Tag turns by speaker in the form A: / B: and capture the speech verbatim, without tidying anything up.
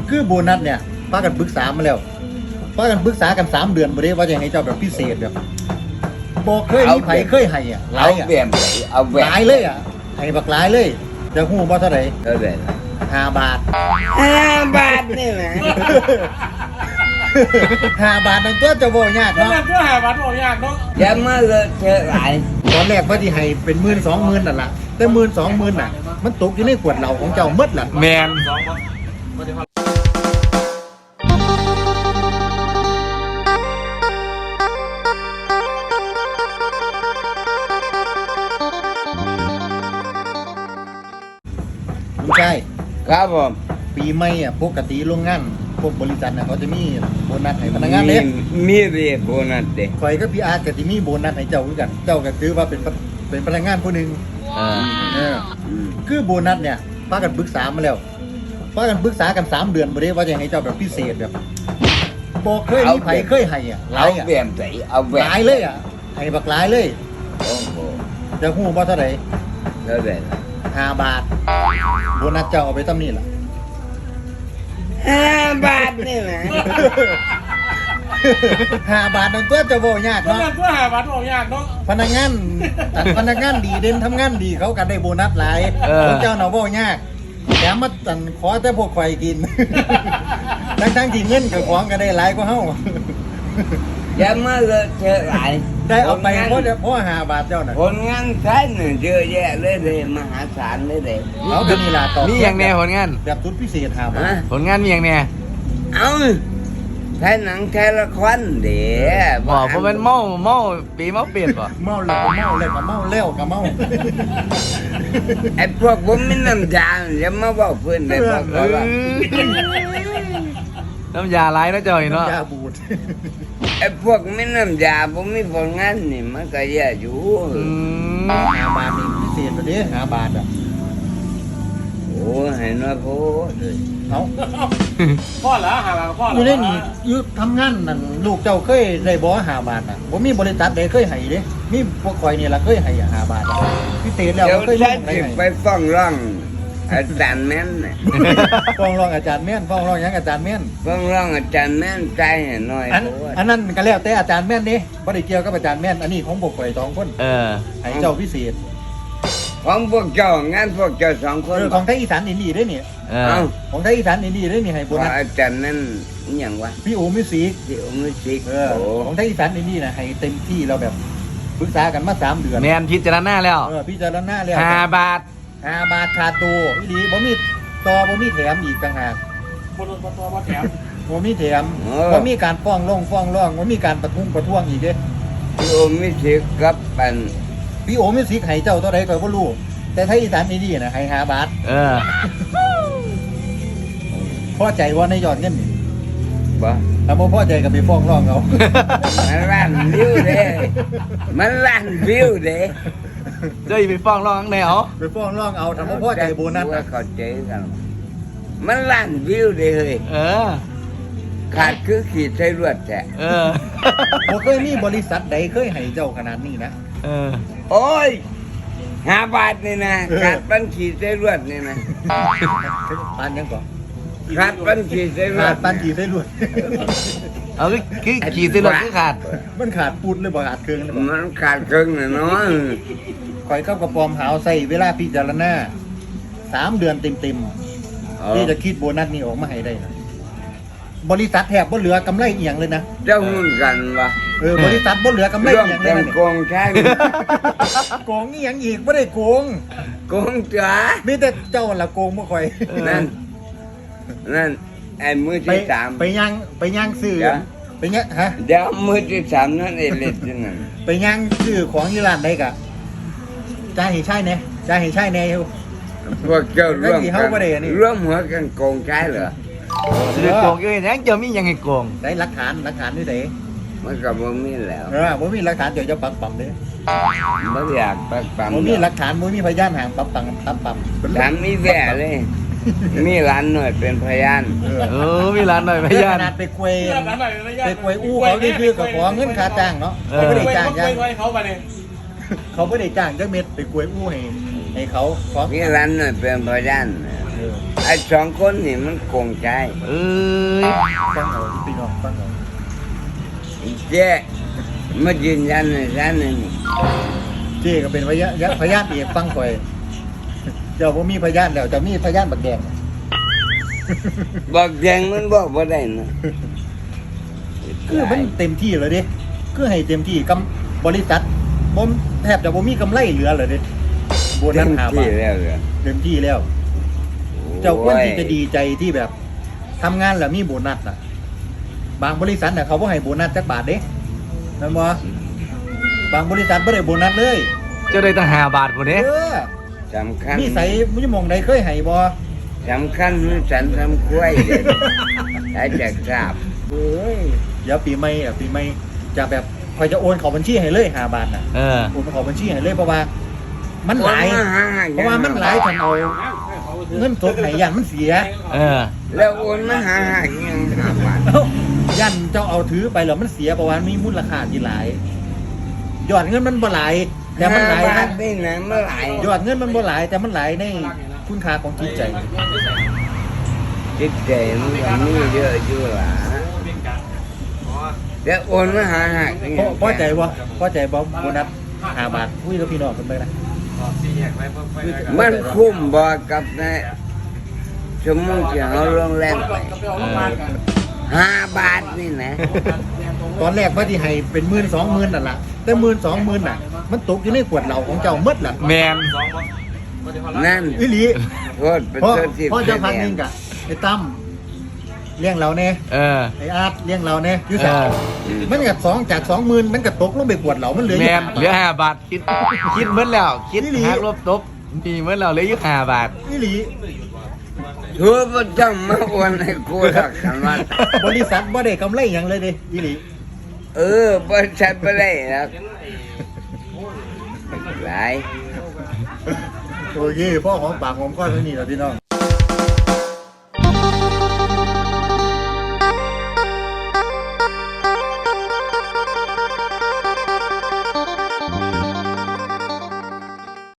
A: คือโบนัสเนี่ยพากันปรึกษามาแล้วพากันปรึกษากันสามเดือนบ่ได้ว่าจะให้เจ้าแบบพิเศษแบบบอกเคยมีไผเคยให้อ่ะหลา
B: เอา
A: ยอ่ะ
B: เบี่ยมเลยเอา
A: ห
B: เบี่ยม
A: ลายเลยอ่ะให้บักหลายเลยจะฮู้บ่เท่าไหร่
B: เท่าไหร่
A: ห้าบาท
B: ห้าบาทนี่แหละ
A: ห้าบาทนั่นตัวจะบ่ยาก
C: ก็
A: เนาะ
C: แบบก็หาบัตรออกยากเนาะ
B: อย่ามาเลอะเทอะหลาย
A: ตอนแรกว่าสิให้เป็นหมื่นสองหมื่นนั่นล่ะแต่หมื่นสองหมื่นน่ะมันตกอยู่ในขวดเหล้าของเจ้าหมดล่ะ
D: แมน
A: ไม่ใช่
B: ครับผม
A: ปีใหม่อ่ะปกติโรงงานพวกบริษัทน่ะเขาจะมีโบนัสให้พนักงานเด้
B: มีเรียกโบนัสเด้
A: ข่อยกับพี่อาร์ตก็สิมีโบนัสให้เจ้าคือกัน เจ้าก็ถือว่าเป็นพเป็นพนักงานผู้หนึง
D: เออ
A: เออ
B: อืม
A: คือโบนัสเนี่ยพากันปรึกษามาแล้วพากันปรึกษากันสามเดือนบ่ได้ว่าจะให้เจ้าแบบพิเศษแบบบอกเคยมีไผเคยให้อ่ะหลา
B: เอา
A: ยอ่ะ
B: เบี่ยมเลยเอา
A: ห
B: เบี่ยม
A: ลายเลยอ่ะให้บักหลายเลย
B: โอ้โห
A: จะฮู้บ่เท่าไหร่
B: เท่าไหร่
A: ห้าบาทโบนัสเจ้าเอาไปตำนี้ล่ะ
B: ห้าบาทนี่แหละ
A: ห้าบาทนั่นตัวจะบ่ยาก
C: ก็
A: เนาะ
C: แบบก็หาบัตรออกยากเนาะ
A: พนักงานแต่พนักงานดีเด่นทำงานดีเขาก็ได้โบนัสหลายของเจ้าเนาะบ่ยากแถมมาตันขอแต่พวกข่อยกิน ทั้งทั้งๆที่เงินกับของก็ได้หลายกว่าเฮา
B: อย่ามาเลอะเทอะหลาย
A: ได้เอาไปเพราะเพราะห้าบาทเจ้าน่ะ
B: ผลงานใช้หนึ่งเยอะแยะเลยเลยมหาศาลเลยเลย
A: เอาเป็นนี่ล่ะต่อ
D: มีอย่างแน่ผลงาน
A: แบบทุนพิเศษห้าบา
B: ฮะ
A: ท
D: ผลงานมีอย่างแน่
B: เอาใช้หนังใช้ละครเดี๋ยว
D: บอกเพราะมันเมาเมาปีเมาเปลี่ยนป่ะ
A: เมาแล้วก็เมาแล้วก็เมาแล้วก็เมา
B: ไอ้พวกผมไม่น้ำยาอย่ามาบอกเพื่อนเลยบอก
D: เอ
B: ว่า
D: อน้ำยาไหลายนะเจ้าอีเนาะ
A: ยาบูด
B: ไอ้พวกไม่น้ำยาผมไม่ผลงานนี่มันก็แย่อยู่
D: อืม
A: ห้าบาทนี่พิเศษตัวนี้ห้าบาทอ่ะ
B: โอ้ให้น้อยโพดเลย
A: เอา
C: พ่อเหรอหาบัตรพ่อเหร
A: อยู่ในนี่อยู่ทำงานนั่นลูกเจ้าเคยได้บ่ห้าบาทอ่ะบ่มีบริษัทใดเคยให้เด้มีพวกข่อยนี่ล่ะเคยให้อ่ะห้าบาทอะพิเศษแล้ว
B: เดี๋ยว
A: เคย
B: ฉั
A: มี
B: น
A: ไหน
B: จะ
A: ให้
B: ไปฟ้องร้องอาจารย์แม่นน่ะ
A: ฟ้องร้องอาจารย์แม่นฟ้องร้องหยังอาจารย์แม่น
B: ฟ้องร้องอาจารย์แม่นใจให้น้อย
A: อัน
B: โพด
A: อันนั้นก็แล้วแต่อาจารย์แม่นเด้บ่ได้เกี่ยวกับอาจารย์แม่นอันนี้ของพวกข่อยสองคน
D: เออ
A: ให้เจ้าพิเศษ
B: ของพวกเจ้างานพวกเจ้าสองคน
A: เออของไทยอีสานอินดี้เด้นี่
D: เอ
B: เอ้า
D: อ
A: ของไทยอีสานอินดี้เด้นี่ให้โบนั
B: ว่า
A: ส
B: อาจารย์นั่นอหย่างวะ
A: พี่โอมิวสิก
B: ที่อมิสิก
A: เออ
B: โอ้
A: ของไทยอีสานอินดี้น่ะให้เต็มที่เราแบบปรึกษากันมาสามเดือน
D: แมนพิจารณาแล้ว
A: เออพี่จารณาแล้ว
D: ห้าบาท
A: ห้าบาทขาดตัวอีหลีบ่มีต่อบ่มีแถมอีกต่างหาก
C: บนบนตัวมาแถม
A: บ่มีแถมบ่มีการฟ้องร้องฟ้องร้องบ่มีการประท้วงประท้วงอีกเด้
B: ที่อมิสิกกับปัน
A: พี่โอมิวสิกให้เจ้าเท่าใดก็บ่รู้แต่ไทยอีสานอินดี้น่ะให้ห้าบาท
D: เออ
A: พอใจว่าในยอดเงินนี่
B: บ่
A: ถ้าบ่พอใจก็ไปฟ้องร้องเอา
B: มันล้านวิวเด้มันล้านวิวเด้
D: เจ้าอย่าไปฟ้องร้องข้างในเหรอ
A: ไปฟ้องร้องเอาถ้าบ่พอใจโบนัส
B: ว่า
A: น่ะ
B: เข้าใจกันมันล้านวิวเด้เฮ้ย
D: เออ
B: ขาดคือขีดใส่รวดแท้
D: เออ
A: บ่เคยมีบริษัทใดเคยให้เจ้าขนาดนี้นะ
D: เออ
B: โอ้ยห้าบาทนี่นะ
A: เออ
B: ขาดปันขีดใส่รวดนี่นะ
A: ปานยังก่อน
B: ขาดปันขีดใส่รว
A: ขา
B: ด
A: ดปานกี่ได้รวย
D: เอาคือคือขี่สิรถคือขาด
A: มันขาดปูดเลยบ่ขาดเครื่องเลยบ่
B: มันขาดครึ่งน่ะเนาะ
A: ข่อยเข้ากระปอมหาวใส่เวลาพิจารณาสามเดือนเต็มๆที่จะคิดโบนัสนี้ออกมาให้ได้นะบริษัทแทบบ่เหลือกำไรเอียงเลยนะ
B: เจ้าหุ้นกันวะ
A: เออบริษัทบ่เหลือกำไร
B: ร่วม
A: เอียงเล
B: กั
A: ย
B: น
A: นะ
B: โกงใช่
A: โกงอีหยังอีกบ่ได้โกง
B: โกงจ๋า
A: มีแต่เจ้าละโกงบ่ข่อย
B: นั่นนั่นไอ้มือ
A: ไป
B: ที่สาม
A: ไปย่างไปย่างซื้อ
B: เดี๋ยว
A: ไปย่างฮะ
B: เดี๋ยวมือที่สามนั่นไอ้เล็ดนั่น
A: ไปย่างซื้อของที่ร้านได้กะจ่ายให้ใช่แน่จ่ายให้ใช่แน่อยู่
B: พวกเจ้าร่วม
A: แล้วที่
B: กั
A: เขาบ่ได้อันนี้
B: ร่วมหัวกันโกงใช่เหรอ
D: สิได้โกงอยู่ยังเจ้ามีหยังให้โกง
A: ได้หลักฐานหลักฐานนี่เด้
B: มันก็บ่มีแล้ว
A: เออบ่มีหลักฐานเดี๋ยวจะปักปั๊มเด้
B: บ่อยากปักปั๊ม
A: บ่มีหลักฐานบ่มีพยานห่างปั๊มปั๊มปั๊มปั๊ม
B: ถามมีแว่เลย มีหลานหน่อยเป็นพยาน
A: เออ
D: เออ มีร้านหน่อยพ
A: ข
D: ยาน
A: นาดไปควย
C: เพื่อนนั้นหน่อยระยะ
A: ไปควยอู้เขาได้คือกับขอเงินค่าจ้างเนาะ
D: เออ
A: เขาบ่ได้จ้าง
C: ยั
A: ยัง
C: งเขาไปเนี่ย
A: เขาบ่ได้จ้างจักเม็ดไปควยอู้ให้ให้เขาขอ
B: มีหลานหน่อยเป็นพยาน
A: เออ
B: ไอ้สองคนนี่มันโกงใจ
D: เอ้ย
A: ฟังเอาพี่น้องฟังเอา
B: เจ๊มายืนยันในร้านนี่
A: เจ๊ก็เป็นพยานพยานเอกฟังข่อยเจ้าบ่มีพยานแล้วเจะมีพยานบักแดง
B: บอกแดงมันบอกว่าได้นะ
A: คือมันเต็มที่เลยเดิคือให้เต็มที่กำบริษัทบ่มแทบจะบ่มีกำไรเหลือเลยเดิโบนัสหาบา
B: ที่
A: ท
B: แล้วเหรอ
A: เต็มที่แล้ว เจ้าควรที่จะดีใจที่แบบทำงานแล้วมีโบนัสอ่ะ บางบริษัทน่ะเขาบ่ให้โบนัสจักบาทเด้นั่นบ่บางบริษัทบ่ได้โบนัสเลย
D: เจ้าได้ตั้งห้าบาทบ่เด้
A: เออ
B: สำคัญ
A: มีใส่มุ้ยมองใดเคยให้บ่
B: สำคัญมันสันทำกล้วยเด็ดใช้จากกราบ
A: เอ้ยเดี๋ยวปีใหม่อ่ะปีใหม่จะแบบคอยจะโอนเข้าบัญชีให้เลยห้าบาทน่ะ
D: เออ
A: โอนเข้าบัญชีให้เลยเพราะว่า มันหลาย
B: โอนมาหา
A: เพราะว่ามันหลายทันเอาเงินสดให้ยันมันเสีย
D: เออ
B: แล้วโอนมาหาหาเงินหาบาท
A: เอ้ายันเจ้าเอาถือไปแล้วมันเสียเพราะว่ามีมูลค่าที่หลาย ยอดเงินมันบ่หลายแต่มันหลาย
B: บา
A: นะ
B: ทนี่นะเมื่อไหร่
A: ยอดเงินมันบ่หลายแต่มันหลายในคุณค่าของจิตใจ
B: จิตใจมันก็มีเยอะอยู่หล่ะแล้วโอนมาหาหาเงิน
A: พอพอใจบ่พอใจบ่โบนัสห้าบาทคุยกับพี่น้องกันไปนะ
B: มันคุ้มบ่กับในชั่วโมงที่เราลงแรงไป
D: เออ
B: ห้าบาทนี่นะ
A: ตอนแรกว่าที่ให้เป็นหมื่นสองหมื่นนั่นล่ะแต่หมื่นสองหมื่นน่ะ มันตกอยู่ในขวดเหล้าของเจ้าหมดล่ะ
D: แมน
B: นั่น
A: อีหลี
B: โทษเป็น
A: พ่อ
B: โทษที่
A: พ่อเจ้าพันหนึงกะไอ้ตั้มเลี้ยงเราแน่
D: เออ
A: ไอ้อาร์ตเลี้ยงเราแน่อยูสา
D: เออ
A: มันกับสองจากสองหมื่นมันก็ตกลงไปขวดเหล้ามันเหลืออ
D: แม
A: ยู่
D: นเหลือห้าบาทคิดคิดเหมือนแล้ว คิด
A: อีหลี
D: หักลบตบมีเหมือนแล้วเหลืออยู่ห้าบาท
A: อีหลี
B: ทั่วประจำมาโอนให้กูหลักกันว่า
A: บริษัทบ่ได้กำไรหยังเลยเดิอีหลี
B: เออบริษัทไปได้แล้วหลาย
A: โอเคพ่อของปากของก้อนเท่านี้แหละพี่น้อง